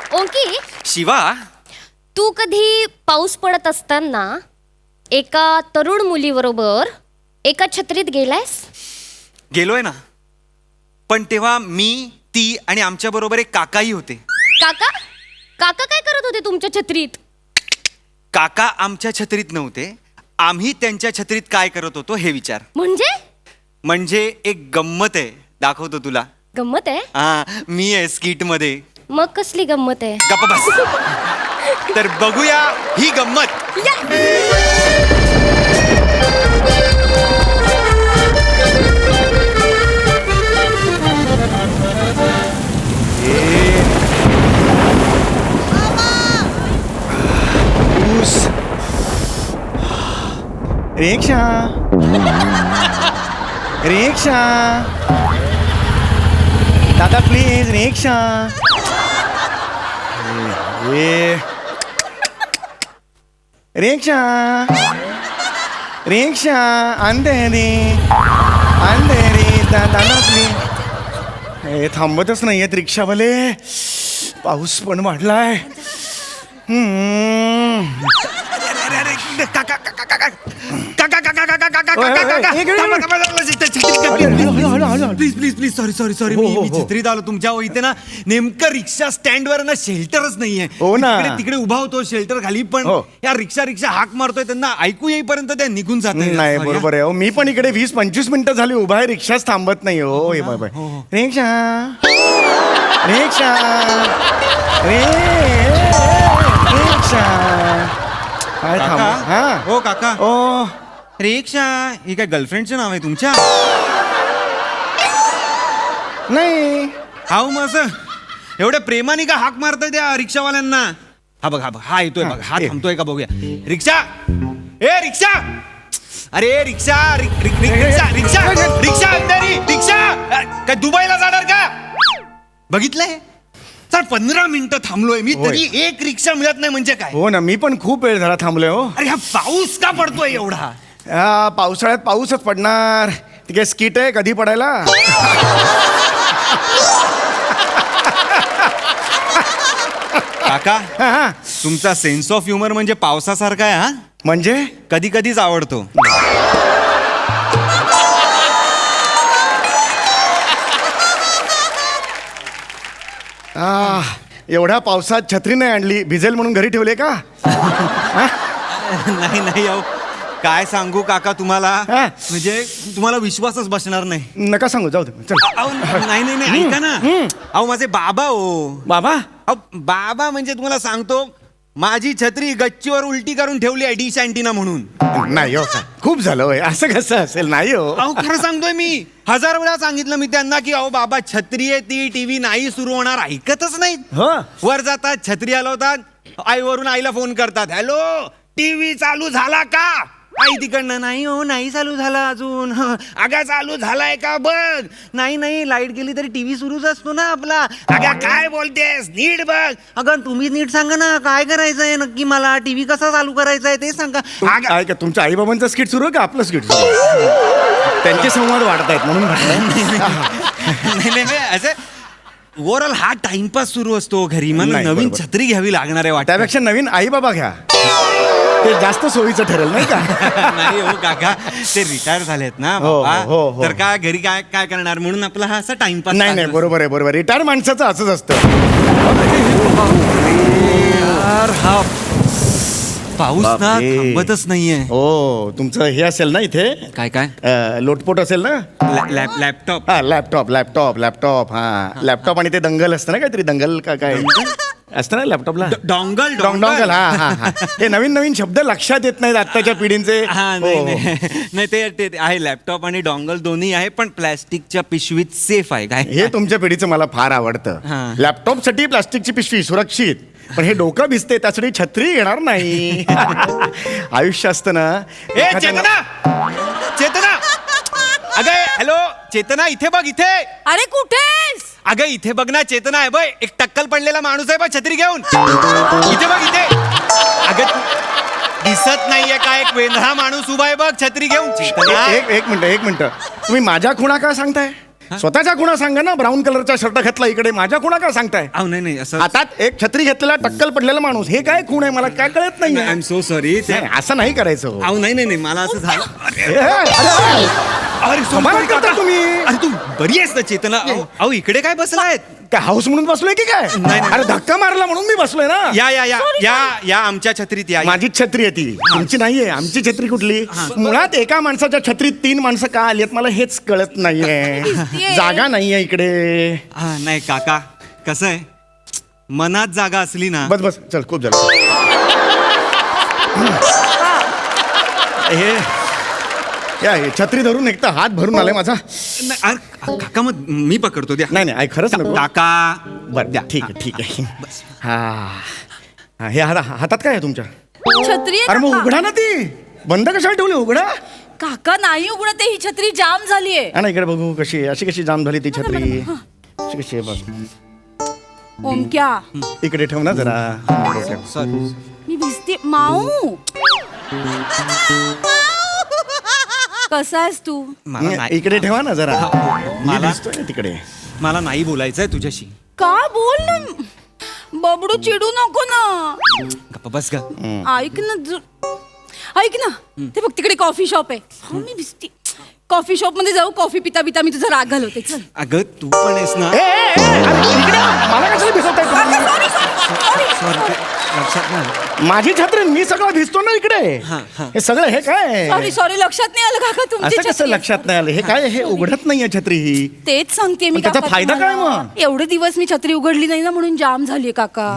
ओंकी, शिवा, तू कधी पाऊस पडत असताना एका तरुण मुलीबरोबर एका छत्रीत गेलायस? गेलोय ना. पण तेव्हा मी, ती आणि आमच्या बरोबर एक काकाही होते. काका काका काय करत होते तुमच्या छत्रीत? काका आमच्या छत्रीत नव्हते. आम्ही त्यांच्या छत्रीत काय करत होतो हे विचार. म्हणजे एक गंमत आहे, दाखवतो तुला. गंमत आहे? हा, मी आहे स्किट मध्ये. मग कसली गंमत आहे? गप्प बस. तर बघूया ही गंमत. रिक्षा रिक्षा दादा प्लीज रिक्षा. रिक्षा रिक्षा अंधेरी अंधेरी दादा प्लीज. हे थांबतच नाही आहेत रिक्षावाले. पाऊस पण वाढलाय. Please please please sorry sorry मी छत्रीत आलो तुमच्या इथे ना. नेमकं रिक्षा स्टँड वर ना शेल्टरच नाहीये. हो ना. तिकडे उभा होतो शेल्टर खाली, पण या रिक्षा हाक मारतोय त्यांना ऐकू येईपर्यंत त्या निघून जात नाही. बरोबर आहे. मी पण इकडे 20-25 मिनिटं झाली उभा आहे. रिक्षाच थांबत नाही. हो हे बाय रिक्षा रिक्षा रिक्षा. काय थांब. हा हो काका. ओ रिक्षा ही काय गर्लफ्रेंडचं नाव आहे तुमच्या? नाही. हा मग असं एवढ्या प्रेमाने का हाक मारताय त्या रिक्षावाल्यांना? हा बघ हा येतोय बघ. हा थांबतोय का बघूया. रिक्षा ए रिक्षा. अरे रिक्षा रिक्षा रिक्षा रिक्षा रिक्षा काय दुबईला जाणार का? बघितलंय सर 15 मिनिटं थांबलोय मी तरी एक रिक्षा मिळत नाही म्हणजे काय? हो ना, मी पण खूप वेळ झाला थांबलोय. हो अरे हा पाऊस का पडतोय एवढा? पावसाळ्यात पाऊसच पडणार. ती काय स्किट आहे कधी पडायला? काका तुमचा सेन्स ऑफ ह्युमर म्हणजे पावसासारखा आहे. हा म्हणजे कधी कधीच आवडतो. एवढ्या पावसात छत्री नाही आणली, भिजेल म्हणून घरी ठेवले का? नाही अहो काय सांगू काका तुम्हाला, म्हणजे तुम्हाला विश्वासच बसणार नाही. नका सांगू, जाऊ दे. चल. नाही ऐका ना. अहो माझे बाबा हो. बाबा? बाबा म्हणजे तुम्हाला सांगतो, माझी छत्री गच्चीवर उलटी करून ठेवली आहे डिश अँटिना म्हणून. नाही हो, खूप झालं होय. असं कसं असेल? नाही हो. अहो खरं सांगतोय मी. 1000 वेळा सांगितलं मी त्यांना की अहो बाबा छत्री आहे ती, टीव्ही नाही सुरू होणार. ऐकतच नाहीत. वर जातात, छत्री हलवतात, आईवरून आईला फोन करतात, हॅलो टीव्ही चालू झाला का? आई तिकडनं नाही हो नाही चालू झाला अजून. अगं चालू झालाय का बघ. नाही लाईट गेली तरी टीव्ही सुरूच असतो ना आपला. अगं काय बोलतेस, नीट बघ. अगं तुम्ही नीट सांगा ना काय करायचंय नक्की, मला टीव्ही कसा चालू करायचा आहे ते सांगा. का तुमच्या आई बाबांचं स्किट सुरू आहे का आपलं स्किट सुरू? त्यांचे संवाद वाढतायत म्हणून नाही असं ओव्हरऑल हा टाइमपास सुरू असतो घरी. मला नवीन छत्री घ्यावी लागणार आहे वाटतं. त्यापेक्षा नवीन आई बाबा घ्या, ते जास्त सोयीचं ठरेल नाही का? नाही हो काका, ते रिटायर झालेत ना बाबा. तर काय घरी काय करणार म्हणून आपला हा असा टाइमपास. नाही बरोबर आहे. रिटायर माणसाचं असंच असतं. हा पाऊस ना थांबतच नाहीये. हो तुमचं हे असेल ना इथे काय लोटपोट असेल ना. लॅपटॉप. हा लॅपटॉप. हा लॅपटॉप आणि ते दंगल असतं ना, काहीतरी दंगल काय असतं ना लॅपटॉपला. डॉंगल. हा हे नवीन शब्द लक्षात येत नाहीत आत्ताच्या पिढींचे. नाही ते आहे लॅपटॉप आणि डॉंगल दोन्ही आहे, पण प्लॅस्टिकच्या पिशवीत सेफ आहे. काय हे तुमच्या पिढीचं मला फार आवडतं. लॅपटॉप साठी प्लास्टिकची पिशवी सुरक्षित, पण हे डोकं भिजते त्यासाठी छत्री येणार नाही. आयुष्य असतं ना. चेतना अगं हॅलो चेतना, इथे बघ इथे. अरे कुठेस? अगं इथे बघ ना चेतना आहे बघ, एक टक्कल पडलेला माणूस आहे बघ छत्री घेऊन. इथे बघ इथे. अगं दिसत नाहीये का एक वेंधळा माणूस उभा आहे बघ छत्री घेऊन. एक मिनिट तुम्ही माझ्या खुणा का सांगताय? स्वतःच्या खुणा सांगा ना. ब्राऊन कलरचा शर्ट घातला इकडे, माझ्या खुणा काय सांगताय? अहो नाही असं हातात एक छत्री घेतलेला टक्कल पडलेला माणूस, हे काय खूण आहे मला काय कळत नाही. I am so sorry. असं नाही करायचं हो. अहो नाही मला असं झालं. अरे समाधान करता तुम्ही. अरे तू बरी आहेस ना चेतना? अहो इकडे काय बसलायत? काय हाऊस म्हणून बसलोय की काय? नाही. अरे धक्का मारला म्हणून मी बसलोय ना. या आमच्या छत्रीत या. माझीच छत्री आहे ती, तुमची नाहीये. आमची छत्री कुठली? मुळात एका माणसाच्या छत्रीत 3 माणसं का आली आहेत मला हेच कळत नाहीये. जागा नाहीये इकडे. नाही काका, कसं आहे, मनात जागा असली ना. बस चल, खूप झालं. हे छत्री धरून एक तर हात भरून आलाय माझा. नाही, काका मग मी पकडतो द्या. नाही खरंच नको. काका बरं द्या, ठीक आहे. हा हे हातात काय आहे तुमच्या? छत्री आहे अरे मग काका. उघडा ना ती. बंद कशाला ठेवली? उघडा. काका नाही उघडत आहे, ही छत्री जाम झालीये. हा ना, इकडे बघू कशी अशी कशी जाम झाली ती छत्री. अशी कशी आहे बघ. ओमक्या इकडे ठेव ना जरा. सॉरी. मी भिजते. माऊ कसा आहेस तू? मला नाही, इकडे ठेवा ना जरा. मी मला- दिसतोय ना तिकडे. मला नाही बोलायचंय तुझ्याशी. का बोल ना. बबडू चिडू नको ना. गप्पा बस ग. ऐक ना ऐक ना, ते बघ तिकडे कॉफी शॉप आहे. हो मी भिजते. कॉफी शॉप मध्ये जाऊ, कॉफी पिता पिता मी तुझा राग घालवते. चल. अगं तू पण आहेस ना. अरे इकडे मला कशाला भिजवताय तुम्ही? सॉरी, लक्षात नाही. माझी छत्री, मी सगळं भिजतो ना इकडे. हे सगळं हे काय? सॉरी लक्षात नाही आलं काका तुमची असं कसं छत्री. लक्षात नाही आलं? हे काय? हे उघडत नाहीये छत्री ही. तेच सांगते मी पण त्याचा काका फायदा काय तुम्हाला. मग? एवढे दिवस मी छत्री उघडली नाही ना म्हणून जाम झालीये काका.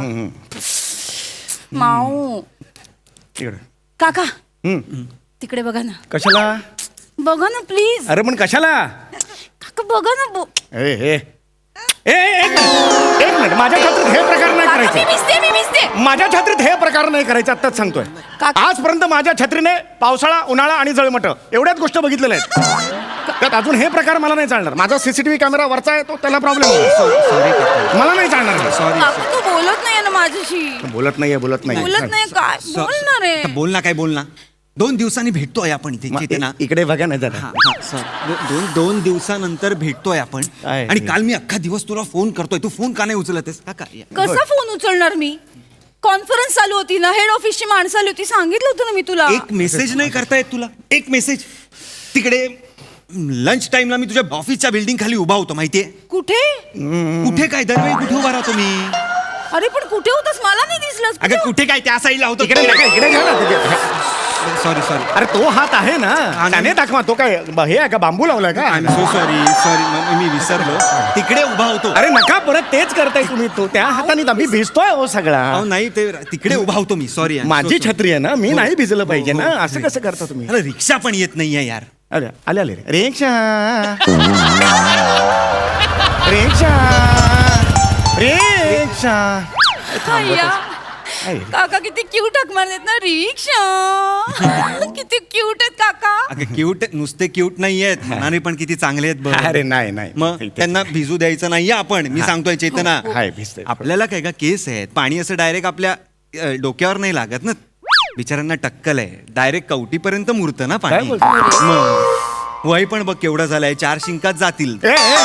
माऊ इकडे. काका तिकडे बघा ना. कशाला? बघा ना प्लीज. अरे पण कशाला? काका बघा ना. एक मिनिट. माझ्या छत्रीत हे प्रकार नाही काका मी करायचे. भिजते. माझ्या छत्रीत हे प्रकार नाही करायचे. आत्ताच सांगतोय. काका- आजपर्यंत माझ्या छत्रीने पावसाळा, उन्हाळा आणि जळमट एवढ्याच गोष्ट बघितलेल्या आहेत. त्यात अजून हे प्रकार मला नाही चालणार. माझा सीसीटीव्ही कॅमेरा वरचा आहे तो, त्याला प्रॉब्लेम मला नाही चालणार. सॉरी. काका तू बोलत नाहीये ना माझ्याशी. बोलत नाहीये. बोलत नाही काय बोलणार आहे. बोल ना. 2 दिवसांनी भेटतोय आपण इथे चेतना. इकडे बघा ना जरा. दोन दिवसानंतर भेटतोय आपण. आहे. आणि काल मी अख्खा दिवस तुला फोन करतोय, तू फोन का नाही उचलत आहेस? काका या. कसा फोन उचलणार मी? कॉन्फरन्स चालू होती ना, हेड ऑफिसची माणसं आली होती, सांगितलं होतं ना मी तुला. एक मेसेज नाही करता येत तुला? एक मेसेज. तिकडे लंच टाइमला मी तुझ्या ऑफिसच्या बिल्डिंग खाली उभा होतो, माहितीये? कुठे? कुठे काय, दरवेळी कुठे उभा राहतो मी? अरे पण कुठे होतास? मला नाही दिसलंस. अगं कुठे काय, त्या साईडला होतो. इकडे नका, इकडे घ्या ना. सॉरी. अरे तो हात आहे ना, त्याने दाखवा. तो काय हे आहे का, बांबू लावलाय का? I am so sorry. मी विसरलो. तिकडे उभा होतो. अरे नका परत तेच करताय तुम्ही. तो त्या हाताने मी भिजतोय हो सगळा. अहो नाही, ते तिकडे उभा होतो मी. सॉरी. माझी छत्री आहे ना, मी नाही भिजलं पाहिजे ना. असं कसं करता तुम्ही? अरे रिक्षा पण येत नाहीये यार. अरे आले रिक्षा. अय्या. काका किती क्यूट हाक मारलेत ना. रिक्षा किती क्यूट आहेत काका. अगं क्यूट नुसते क्यूट नाहीयेत, मनाने पण किती चांगले आहेत बघ. अरे नाही मग त्यांना भिजू द्यायचं नाहीये आपण. मी सांगतोय चेतना, हाय भिजते. आपल्याला काय का केस आहेत, पाणी असं डायरेक्ट आपल्या डोक्यावर नाही लागत ना. बिचाऱ्यांना टक्कल आहे, डायरेक्ट कवटीपर्यंत मुरतं ना काय पाणी. बोलतो? मग वय पण बघ केवढं झालंय, 4 शिंकात जातील.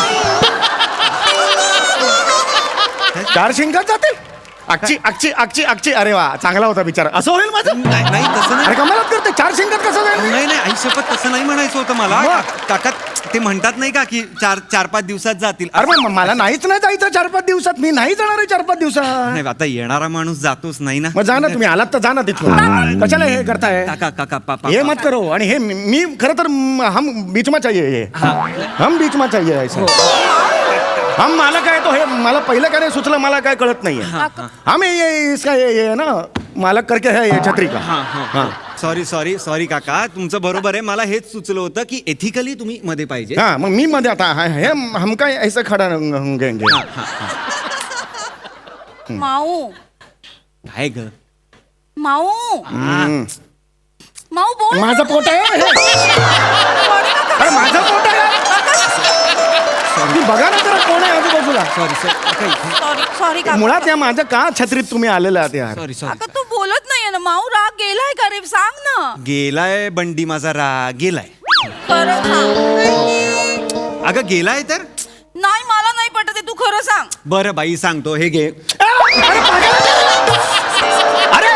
4 शिंगात जातील. अक्षी. अरे वा, चांगला होता बिचारा. असं होईल माझं? नाही तसं अरे नाही. कमालात करते. 4 शिंगात कसं जाईल? नाही आई शपथ तसं नाही म्हणायचं होतं मला. मग? काका ते म्हणतात नाही का की 4-5 दिवसात जातील. अरे मग मला नाहीच नाही जायचं 4-5 दिवसात. मी नाही जाणार आहे 4-5 दिवसात. नाही आता येणारा माणूस जातोच नाही ना. मग जा ना तुम्ही. आलात तर जा ना तिथून. कशाला हे करताय? काका पापा ये मत करो. आणि हे मी खरं तर हम बीच में चाहिए. हम बीच में चाहिए ऐसा. हम मला काय तो हे मला पहिलं काय सुचलं, मला काय कळत नाहीये. हम ये इसका ये ना मालक करके है ये छत्री का. हाँ. सॉरी काका, तुमचं बरोबर आहे. मला हेच सुचलं होतं की एथिकली तुम्ही मध्ये पाहिजे. हाँ मग मी मध्ये आता हे हम काय ऐसा खडा होंगे. माऊ काय ग? माऊ माऊ बोल. माझं पोट आहे हे. अरे माझं पोट आहे. तुम्ही बघा ना जरा कोण आहे आजूबाजूला. सॉरी काका. मुळात या माझ्या का छत्रीत तुम्ही आलेला आहात यार? सॉरी काका तू बोलत नाहीये ना. माऊ राग गेलाय का रे? सांग ना. गेलाय बंडी माझा राग गेलाय. खरं सांग. अगं गेलाय तर पटत आहे, तू खरं सांग. बरं बाई सांगतो, हे घे. अरे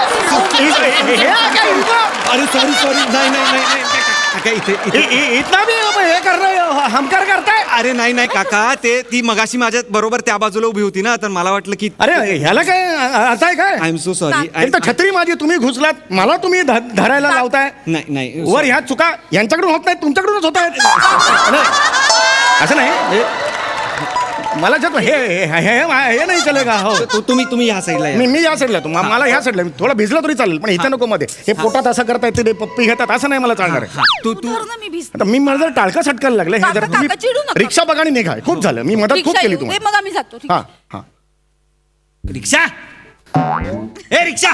अरे सॉरी नाही काका, इतना भी हे कर रहे हो, हमकार करताय. अरे नाही काका, ती मगाशी माझ्या बरोबर त्या बाजूला उभी होती ना, तर मला वाटलं की अरे ह्याला काय अर्थ आहे काय? I am so sorry. एक तर छत्री माझी तुम्ही घुसलात, मला तुम्ही धरायला लावताय. नाही वर ह्या चुका यांच्याकडून होत नाही, तुमच्याकडूनच होत आहेत. असं नाही, मला जर हे नाही चलेगा. हो तुम्ही ह्या साईडला या. मी या साईडला, मला ह्या साईडला थोडा भिजला तरी चालेल, पण इथं नको मध्ये. हे पोटात असं करतायत, ते पप्पी घेतात, असं नाही मला चालणार आहे. तू तू धर ना, मी भिजते. आता मी मला जर टाळकं सटकायला लागलं, हे जर काका, तुम्ही काका, चिडू नका. रिक्षा बघा आणि निघा. खूप झालं, मी मदत खूप रिक्षा केली येऊ दे, तुम्हाला. मग आम्ही जातो. ठीक हा आहे. हा रिक्षा, ए रिक्षा.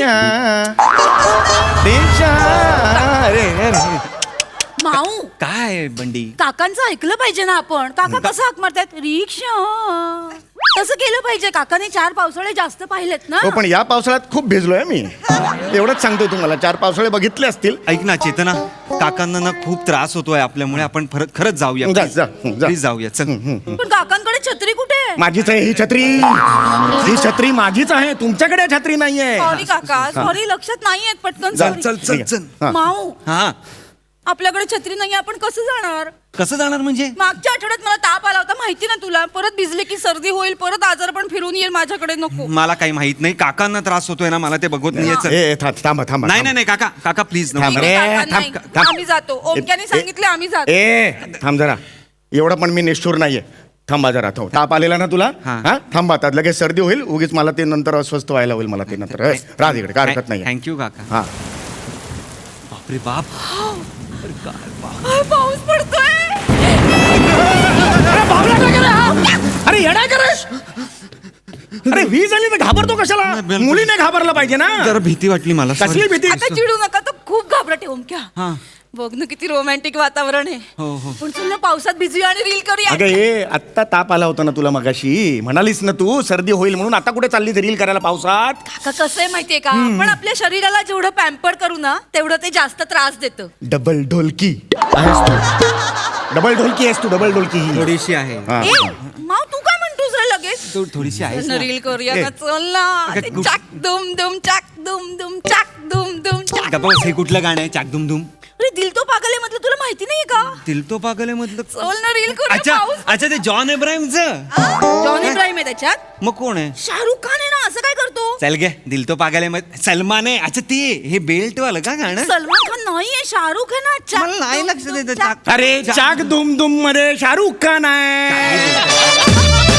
रिक्षा अरे माऊ, काय बंडी, काकांचं ऐकलं पाहिजे ना आपण. काका कसं हाक मारतायत, रिक्षा, तसं केलं पाहिजे. काकाने 4 पावसाळे जास्त पाहिलेत ना. हो, पण या पावसाळ्यात खूप भिजलोय मी, एवढंच सांगतोय तुम्हाला. 4 पावसाळे बघितले असतील. ऐक ना चेतना, काकांना ना खूप त्रास होतोय आपल्यामुळे, आपण खरंच जाऊया. जा. प्लीज जाऊया, चल. पण काकांकडे छत्री कुठे आहे? माझीच आहे ही छत्री, ही छत्री माझीच आहे, तुमच्याकडे छत्री नाहीये. सॉरी काका, सॉरी, लक्षात नाहीयेत. पटकन जा, sorry. चल. हा. माऊ, हा, आपल्याकडे छत्री नाही, आपण कसं जाणार? कसं जाणार म्हणजे? मागच्या आठवड्यात मला ताप आला होता, माहिती ना तुला. परत भिजले की सर्दी होईल, परत आजार पण फिरून येईल माझ्याकडे. नको. मला काही माहित नाही, काकांना त्रास होतोय ना, मला ते बघवत नाहीये. चल. ए, थांबा थांबा. नाही काका प्लीज थांब ठीक रे, आहे, काका, थांब, नाही. थांब. आम्ही जातो. ओमक्याने सांगितले, आम्ही जातो. थांब जरा, एवढं पण मी निष्ठूर नाहीये. थांबा जरा, ताप आलेला ना तुला? हा. हा, थांबा, आता लगेच सर्दी होईल, उगीच मला ते नंतर अस्वस्थ व्हायला होईल. मला ते नंतर राज इकडे, काय हरकत नाही. थँक्यू काका. हा, बापरे बाप. पाऊस पडतोय. अरे येडा करस. अरे वीज आली तर घाबरतो कशाला? बिलकुल. मुलीने घाबरला पाहिजे ना. जरा भीती वाटली मला. कसली भीती? आता चिडू नका, तर खूप घाबरटे. ओमक्या, हा. बघ ना किती रोमॅन्टिक वातावरण आहे. हो. पण चल ना, पावसात भिजूया आणि रील करूया. अगं ये, आत्ता ताप आला होता ना तुला मगाशी, म्हणालीस ना तू सर्दी होईल म्हणून. आता कुठे चालली रील करायला पावसात? काका, कसं आहे माहितीये का, आपण आपल्या शरीराला जेवढं पॅम्पर करू ना, तेवढं ते जास्त त्रास देतं. डबल ढोलकी आहेस तू. डबल ढोलकी आहेस तू, डबल ढोलकी ही. थोडीशी आहे. हा. ए, माव, तू काय म्हणतोस रे लगेच? थोडीशी आहे. चल ना, रील करूया ए. ना, चल ना. अगं, ते गुड. चाक दुम दुम, चाक दुम दुम, चाक दुम दुम, चाक. गप्पा, हे कुठलं गाणं आहे? चाक दुम दुम. अरे, दिल तो पागल है मधलं तुला माहिती नाहीये का? दिल तो पागल आहे मधलं. चल ना, रील करूया. पाऊस. अच्छा ते जॉन इब्राहिमचं. जॉन इब्राहिम आहे त्याच्यात. मग कोण आहे? शाहरुख खान आहे ना, असं काय करतो? चल गे, दिल तो पागल आहे. सलमान आहे. अच्छा ते हे बेल्ट वालं का गाणं? सलमान खान नाहीये, शाहरुख आहे ना. चाक मला नाही दुम लक्ष दुम, देतं. चाक. अरे चाक दुम दुम मध्ये शाहरुख खान आहे.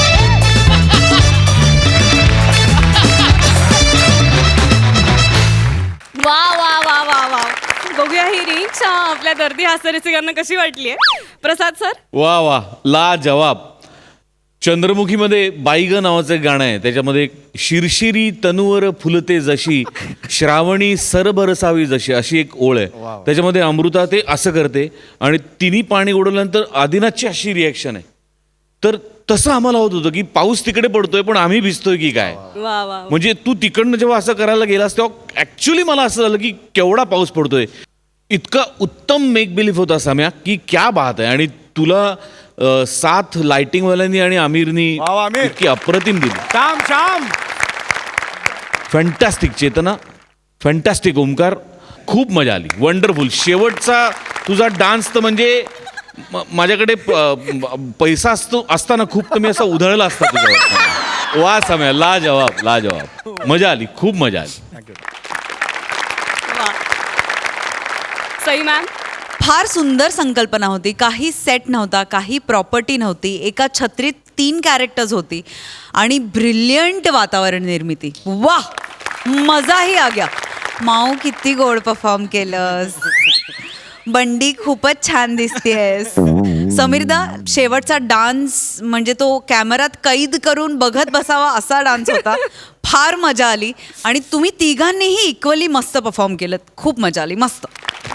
वा वा वा वा वा, बघूया ही रिक्षा आपल्या दर्दी हास्यरसिकांना कशी वाटली प्रसाद सर. वा वा, ला जवाब. चंद्रमुखीमध्ये बाईग नावाचं एक गाणं आहे, त्याच्यामध्ये शिरशिरी तनुवर फुलते जशी, श्रावणी सरबरसावी जशी, अशी एक ओळ आहे. त्याच्यामध्ये अमृता ते असं करते आणि तिन्ही पाणी उडवल्यानंतर आदिनाथची अशी रिॲक्शन आहे. तर तसं आम्हाला होत होतं की पाऊस तिकडे पडतोय पण आम्ही भिजतोय की काय. वा वा. म्हणजे तू तिकडनं जेव्हा असं करायला गेलास तेव्हा ऍक्च्युली मला असं झालं की केवढा पाऊस पडतोय. इतका उत्तम मेक बिलीफ होता सम्या की क्या बात आहे. आणि तुला साथ लाइटिंगवाल्यांनी आणि आमिरनी वा वा, आमिर. इतकी अप्रतिम दिली. श्याम फॅन्टॅस्टिक चेतना, फॅन्टॅस्टिक ओमकार, खूप मजा आली. वंडरफुल. शेवटचा तुझा डान्स तर म्हणजे माझ्याकडे पैसा असताना खूप तर मी असा उधळला असता तुझ्यावर. वा सम्या, ला जवाब, ला जवाब. मजा आली, खूप मजा आली. सई मॅम. फार सुंदर संकल्पना होती. काही सेट नव्हता, काही प्रॉपर्टी नव्हती, एका छत्रीत 3 कॅरेक्टर्स होती आणि ब्रिलियंट वातावरण निर्मिती. वाह, मजाही आ गया. माऊ, किती गोड परफॉर्म केलंस. बंडी, खूपच छान दिसतेस. समीरदा, शेवटचा डान्स म्हणजे तो कॅमेऱ्यात कैद करून बघत बसावा असा डान्स होता. फार मजा आली आणि तुम्ही तिघांनीही इक्वली मस्त परफॉर्म केलं. खूप मजा आली, मस्त.